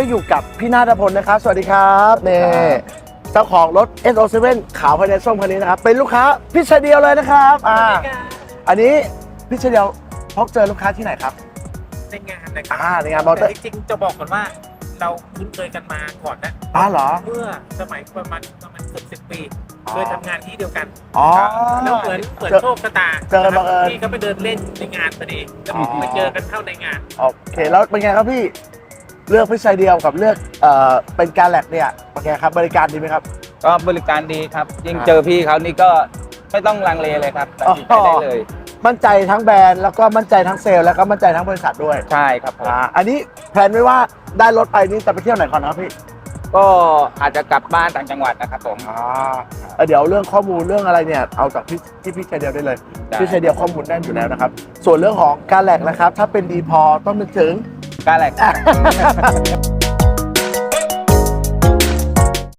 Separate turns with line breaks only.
อยู่กับพี่นาฏพลนะครับสวัสดีครับนี่เจ้าของรถ SO7 ขาวภายในส้มคันนี้นะครับเป็นลูกค้าพี่ชายเดียวเลยนะครับอันนี้พี่ชายเดียวพบเจอลูกค้าที่ไหนครับ
ในงานนะครับ
ในงานมอเตอร์
จริงๆจะบอกก่อนว่าเราคุ้นเคยกันมาก่อนนะ
เหรอ
เมื่อสมัยประมาณเกือบ10 ปีเคยทำงานที่เดียวกันแล้วเหมือนโชคชะตา
เจอบังเอิญ
พี่ก็ไปเดินเล่นในงานพอดีแล้วไปเจอกันเข้าในงาน
โอเคแล้วเป็นไงครับพี่เลือกพี่ชายเดียวกับเลือกเป็นการแลกเนี่ยเป็นไงครับบริการดีไหมครับ
ก็บริการดีครับยิ่งเจอพี่เขานี่ก็ไม่ต้องลังเลเลยครับตัดสินใจได้เลย
มั่นใจทั้งแบรนด์แล้วก็มั่นใจทั้งเซลล์แล้วก็มั่นใจทั้งบริษัทด้วย
ใช่ครับ
อันนี้แพลนไว้ว่าได้รถไปนี่จะไปเที่ยวไหนก่อนครับพี่
ก็อาจจะกลับบ้านต่างจังหวัดนะครับผม
เดี๋ยวเรื่องข้อมูลเรื่องอะไรเนี่ยเอาจากพี่ชายเดียวได้เลยพี่ชายเดียวข้อมูลแน่นอยู่แล้วนะครับส่วนเรื่องของการแลกนะครับถ้าเป็นดีพอต้องนึกถึง
การแลก